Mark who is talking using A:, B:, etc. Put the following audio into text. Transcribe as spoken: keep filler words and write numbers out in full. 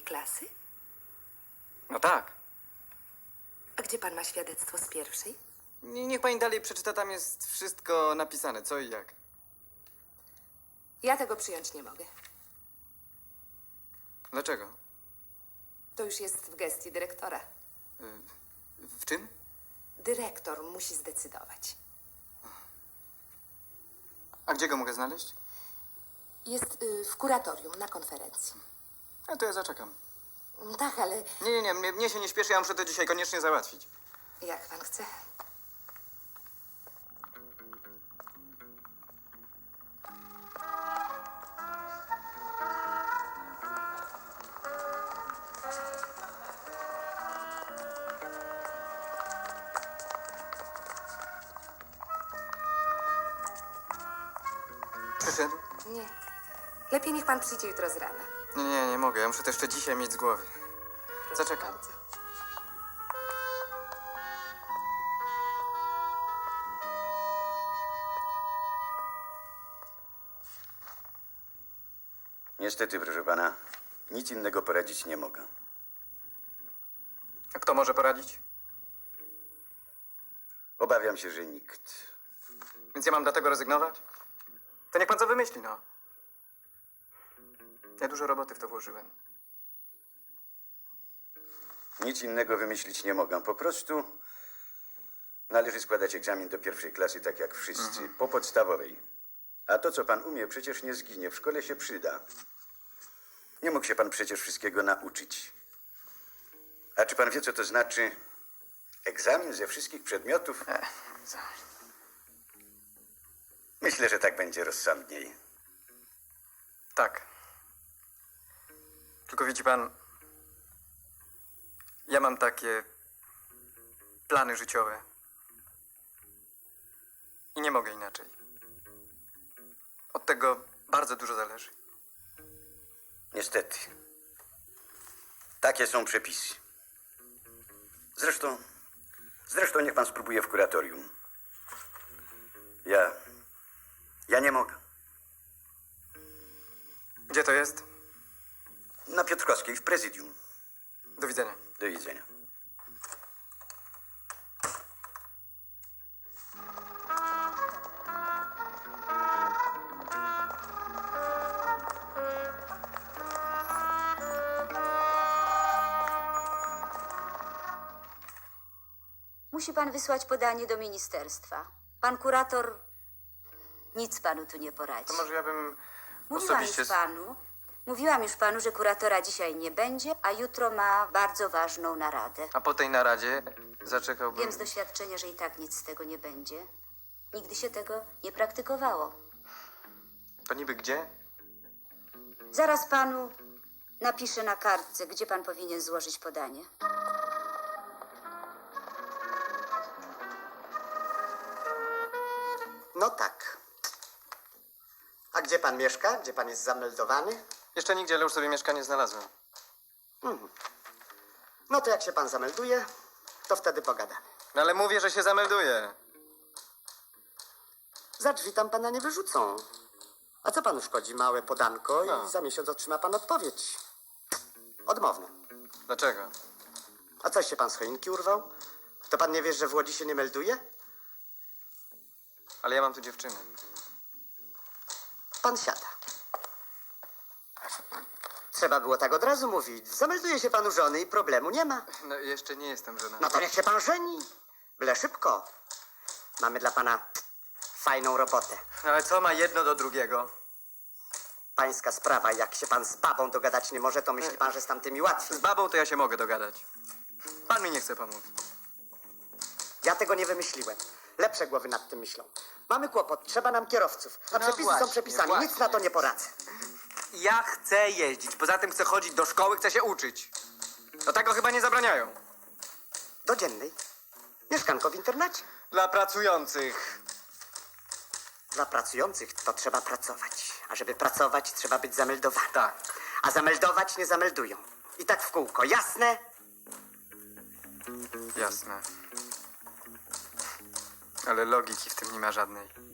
A: klasy?
B: No tak.
A: A gdzie pan ma świadectwo z pierwszej?
B: Nie- Niech pani dalej przeczyta, tam jest wszystko napisane, co i jak.
A: Ja tego przyjąć nie mogę.
B: Dlaczego?
A: To już jest w gestii dyrektora.
B: W czym?
A: Dyrektor musi zdecydować.
B: A gdzie go mogę znaleźć?
A: Jest y, w kuratorium na konferencji.
B: A to ja zaczekam.
A: Tak, ale
B: Nie, nie, nie, mnie, mnie się nie śpieszy, ja muszę to dzisiaj koniecznie załatwić.
A: jak pan chce.
B: Przyszedł?
A: Nie. Lepiej niech pan przyjdzie jutro z rana.
B: Nie, nie, nie mogę, ja muszę to jeszcze dzisiaj mieć z głowy.
A: Proszę
B: Zaczekam.
A: bardzo.
C: Niestety, proszę pana, nic innego poradzić nie mogę.
B: A kto może poradzić?
C: Obawiam się, że nikt.
B: Więc ja mam dlatego rezygnować? To niech pan co wymyśli, no. Ja dużo roboty w to włożyłem.
C: Nic innego wymyślić nie mogę. Po prostu należy składać egzamin do pierwszej klasy, tak jak wszyscy, po podstawowej. A to, co pan umie, przecież nie zginie. W szkole się przyda. Nie mógł się pan przecież wszystkiego nauczyć. A czy pan wie, co to znaczy egzamin ze wszystkich przedmiotów?
B: E, co?
C: Myślę, że tak będzie rozsądniej.
B: Tak. Tylko widzi pan, ja mam takie plany życiowe. I nie mogę inaczej. Od tego bardzo dużo zależy.
C: Niestety. Takie są przepisy. Zresztą, zresztą niech pan spróbuje w kuratorium. Ja, ja nie mogę.
B: Gdzie to jest?
C: Na Piotrkowskiej w prezydium.
B: Do widzenia.
C: Do widzenia.
D: Musi pan wysłać podanie do ministerstwa. Pan kurator nic panu tu nie poradzi.
B: To może ja bym
D: Mówiłam
B: osobiście...
D: już panu, mówiłam już panu, że kuratora dzisiaj nie będzie, a jutro ma bardzo ważną naradę.
B: A po tej naradzie zaczekałbym...
D: Wiem z doświadczenia, że i tak nic z tego nie będzie. Nigdy się tego nie praktykowało.
B: To niby gdzie?
D: Zaraz panu napiszę na kartce, gdzie pan powinien złożyć podanie.
E: No tak. A gdzie pan mieszka? Gdzie pan jest zameldowany?
B: Jeszcze nigdzie, ale już sobie mieszkanie znalazłem.
E: No to jak się pan zamelduje, to wtedy pogadamy.
B: No ale mówię, że się zamelduję.
E: Za drzwi tam pana nie wyrzucą. A co panu szkodzi? Małe podanko
B: No.
E: i za miesiąc otrzyma pan odpowiedź. Odmowną.
B: Dlaczego?
E: A coś się pan z choinki urwał? To pan nie wie, że w Łodzi się nie melduje?
B: Ale ja mam tu dziewczynę.
E: Pan siada. Trzeba było tak od razu mówić. Zamelduje się pan u żony i problemu nie ma.
B: No jeszcze nie jestem żonaty.
E: No to niech się pan żeni. Byle szybko. Mamy dla pana fajną robotę.
B: No ale co ma jedno do drugiego?
E: Pańska sprawa, jak się pan z babą dogadać nie może, to myśli pan, że z tamtymi łatwiej.
B: Z babą to ja się mogę dogadać. Pan mi nie chce pomóc.
E: Ja tego nie wymyśliłem. Lepsze głowy nad tym myślą. Mamy kłopot, trzeba nam kierowców. A
B: No
E: przepisy
B: właśnie,
E: są przepisami, nic
B: właśnie.
E: na to nie poradzę.
B: Ja chcę jeździć, poza tym chcę chodzić do szkoły, chcę się uczyć. To tego chyba nie zabraniają.
E: Do dziennej. Mieszkanko w internacie.
B: Dla pracujących.
E: Dla pracujących to trzeba pracować. A żeby pracować, trzeba być zameldowanym.
B: Tak.
E: A zameldować nie zameldują. I tak w kółko, jasne?
B: Jasne. Ale logiki w tym nie ma żadnej.